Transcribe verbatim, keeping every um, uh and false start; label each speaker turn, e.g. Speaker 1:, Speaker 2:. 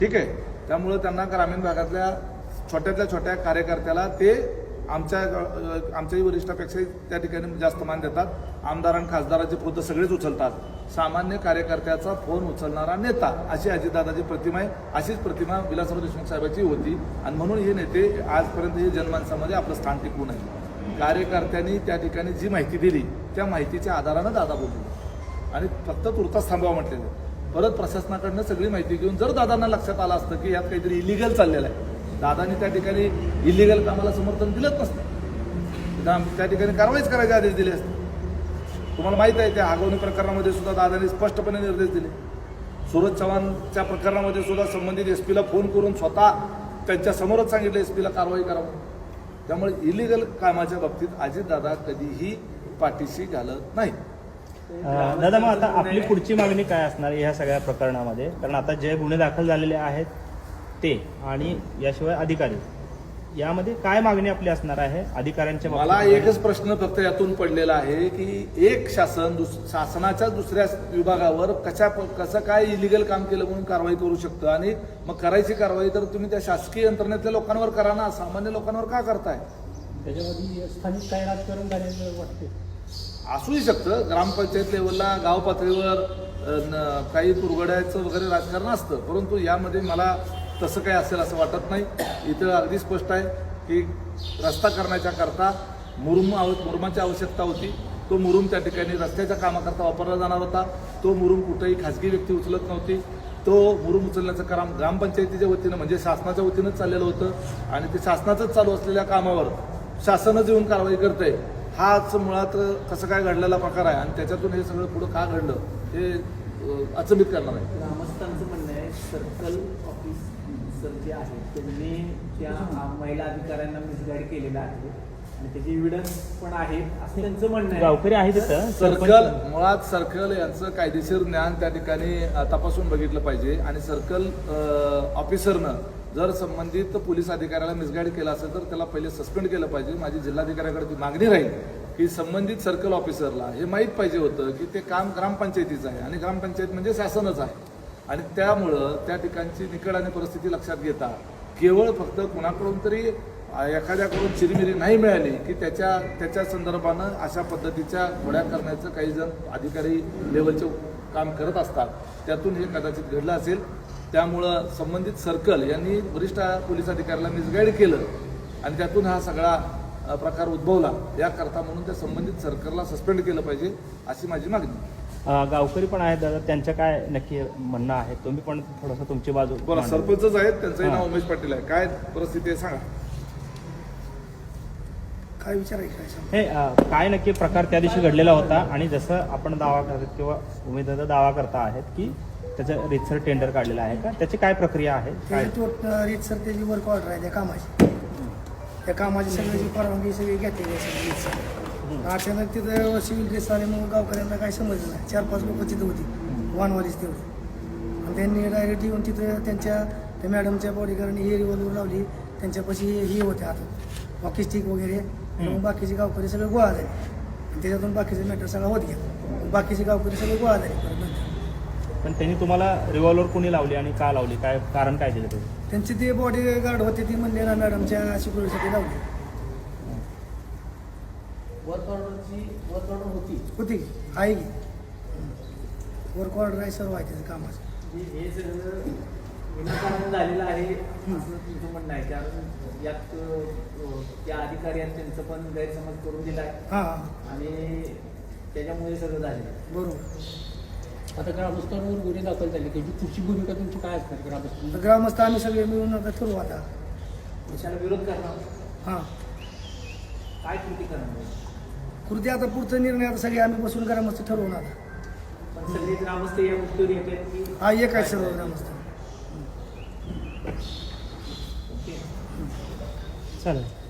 Speaker 1: ठीक आहे. त्यामुळे त्यांना ग्रामीण भागातल्या छोट्यातल्या छोट्या कार्यकर्त्याला ते आमच्या आमच्याही वरिष्ठापेक्षाही त्या ठिकाणी जास्त मान देतात. आमदार आणि खासदाराचे फोन सगळेच उचलतात. सामान्य कार्यकर्त्याचा फोन उचलणारा नेता अशी अजितदादाची प्रतिमा आहे. अशीच प्रतिमा विलासराव देशमुख साहेबांची होती आणि म्हणून हे नेते आजपर्यंत हे जनमानसामध्ये आपलं स्थान टिकवून आहे. कार्यकर्त्यांनी त्या ठिकाणी जी माहिती दिली त्या माहितीच्या आधारानं दादा बोलले आणि फक्त तुर्तास थांबवा म्हटलेलं. परत प्रशासनाकडनं सगळी माहिती घेऊन जर दादांना लक्षात आलं असतं की यात काहीतरी इलिगल चाललेलं आहे, दादांनी त्या ठिकाणी इलिगल कामाला समर्थन दिलंच नसतं, त्या ठिकाणी कारवाईच करायचे आदेश दिले असते. तुम्हाला माहित आहे त्या आगवणी प्रकरणामध्ये सुद्धा दादांनी स्पष्टपणे निर्देश दिले. सूरज चव्हाणच्या प्रकरणामध्ये सुद्धा संबंधित एस पीला फोन करून स्वतः त्यांच्या समोरच सांगितलं एस पीला कारवाई करावं. त्यामुळे इलिगल कामाच्या बाबतीत अजितदादा कधीही पाठीशी घालत नाही.
Speaker 2: दादा, मग आता आपली पुढची मागणी काय असणार ह्या सगळ्या प्रकरणामध्ये? कारण आता जे गुन्हे दाखल झालेले आहेत ते आणि याशिवाय अधिकारी, यामध्ये काय मागणी आपली असणार आहे अधिकाऱ्यांच्या?
Speaker 1: मला एकच प्रश्न फक्त यातून पडलेला आहे की एक शासन दुस शासनाच्या दुसऱ्या विभागावर कशा कसं काय इलिगल काम केलं म्हणून कारवाई करू शकतं आणि मग करायची कारवाई तर तुम्ही त्या शासकीय यंत्रणेतल्या लोकांवर करा ना, सामान्य लोकांवर का करताय?
Speaker 3: त्याच्यामध्ये स्थानिक काय राजकारण झालेलं वाटते?
Speaker 1: असूही शकतं. ग्रामपंचायत लेवलला गाव पातळीवर काही तुरगड्याचं वगैरे राजकारण असतं, परंतु यामध्ये मला तसं काही असेल असं वाटत नाही. इथं अगदी स्पष्ट आहे की रस्ता करण्याच्या करता मुरुम आव मुरुमाची आवश्यकता होती. तो मुरुम त्या ठिकाणी रस्त्याच्या कामाकरता वापरला जाणार होता. तो मुरुम कुठेही खाजगी व्यक्ती उचलत नव्हती. तो मुरुम उचलण्याचं काम ग्रामपंचायतीच्या वतीनं म्हणजे शासनाच्या वतीनंच चाललेलं होतं आणि ते शासनाचंच चालू असलेल्या कामावर शासनच येऊन कारवाई करतंय. हाच मुळात कसं काय घडलेला प्रकार आहे आणि त्याच्यातून हे सगळं पुढं का घडलं हे अचंबित करणार आहे.
Speaker 3: ग्रामस्थांचं म्हणणं आहे सर्कल ऑफिसर जे आहे त्यांनी त्या महिला अधिकाऱ्यांना मिसगाईड केलेलं आहे आणि त्याचे एव्हिडन्स पण आहेत असं त्यांचं म्हणणं आहे.
Speaker 2: गावकरी आहे तिथं.
Speaker 1: सर्कल मुळात सर्कल यांचं कायदेशीर ज्ञान त्या ठिकाणी तपासून बघितलं पाहिजे आणि सर्कल ऑफिसरनं जर संबंधित पोलीस अधिकाऱ्याला मिसगाईड केला असेल तर त्याला पहिले सस्पेंड केलं पाहिजे. माझी जिल्हाधिकाऱ्याकडे ती मागणी राहील की संबंधित सर्कल ऑफिसरला हे माहीत पाहिजे होतं की ते काम ग्रामपंचायतीचं आहे आणि ग्रामपंचायत म्हणजे शासनच आहे आणि त्यामुळं त्या ठिकाणची निकड आणि परिस्थिती लक्षात घेता केवळ फक्त कुणाकडून तरी एखाद्याकडून चिरीमिरी नाही मिळाली की त्याच्या त्याच्या संदर्भानं अशा पद्धतीच्या घोड्या करण्याचं काही जण अधिकारी लेवलचे काम करत असतात. त्यातून हे कदाचित घडलं असेल. त्यामुळं संबंधित सर्कल यांनी वरिष्ठ पोलीस अधिकाऱ्याला मिसगाईड केलं आणि त्यातून हा सगळा प्रकार उद्भवला. याकरता म्हणून त्या संबंधित सर्कलला सस्पेंड केलं पाहिजे अशी माझी मागणी.
Speaker 2: गावकरी पण आहेत दादा, त्यांचं काय नक्की म्हणणं आहे? तुम्ही पण थोडंसं तुमची बाजू
Speaker 1: बरं. सरपंचच आहेत, त्यांचंही नाव उमेश पाटील आहे. काय परिस्थिती आहे सांगा.
Speaker 3: काय विचारायचं
Speaker 2: हे काय नक्की प्रकार त्या दिवशी घडलेला होता आणि जसं आपण दावा करत किंवा उमेदवार दावा करता आहेत की त्याचं रीतसर टेंडर काढलेलं आहे का? त्याची काय प्रक्रिया आहे? काय
Speaker 3: रीतसर त्याची वर्क ऑर्डर आहे त्या कामाची, त्या कामाची सगळ्याची परवानगी सगळी घेतलेली आहे सगळी रीतसर. अचानक तिथं सिव्हिल ड्रेस आल्यामुळे गावकऱ्यांना काही समजलं नाही. चार पाच लोक तिथं होती, वानवालीच तेवढी, आणि त्यांनी डायरेक्ट येऊन तिथं त्यांच्या त्या मॅडमच्या बॉडीगार्डने हे रिव्हॉल्वर लावली. त्यांच्यापाशी हे होते आता वॉकी स्टिक वगैरे. मग बाकीचे गावकरी सगळे गोळा झाले आणि त्याच्यातून बाकीचे मॅटर सगळा होत गेला. बाकीचे गावकरी सगळे गोळा झाले परत नंतर.
Speaker 2: पण त्यांनी तुम्हाला रिव्हॉल्वर कोणी लावली आणि का लावली? काय कारण काय दिलं तुम्ही?
Speaker 3: त्यांची ते बॉडी गार्ड होते ती म्हणले ना मॅडमच्या सिक्युरिटीसाठी लावली. वर्क ऑर्डरची वर्क ऑर्डर होती होती आहे की वर्क ऑर्डर आहे, सर्व आहे त्याचं कामाचं. हे सगळं विनाकारण झालेलं आहे असं तुमचं म्हणणं आहे? कारण यात त्या अधिकारी आहेत त्यांचं पण गैरसमज करून दिला आहे. हां, आणि त्याच्यामुळे सगळं झालेलं आहे. बरोबर.
Speaker 4: आता ग्रामस्थांवर गुन्हे दाखल झाले, त्याची पुढची भूमिका तुमची काय असणार? ग्रामस्थ
Speaker 3: ग्रामस्थ आम्ही सगळे मिळून आता ठरवू आता
Speaker 4: देशाला विरोध करणार.
Speaker 3: हां,
Speaker 4: काय कृती करणार?
Speaker 3: कृती आता पुढचा निर्णय आता सगळे आम्ही बसून ग्रामस्थ ठरवून आता.
Speaker 4: पण सगळे ग्रामस्थ या गोष्टीवर येतात की
Speaker 3: हा एक आहे सर्व ग्रामस्थ.
Speaker 2: चालेल.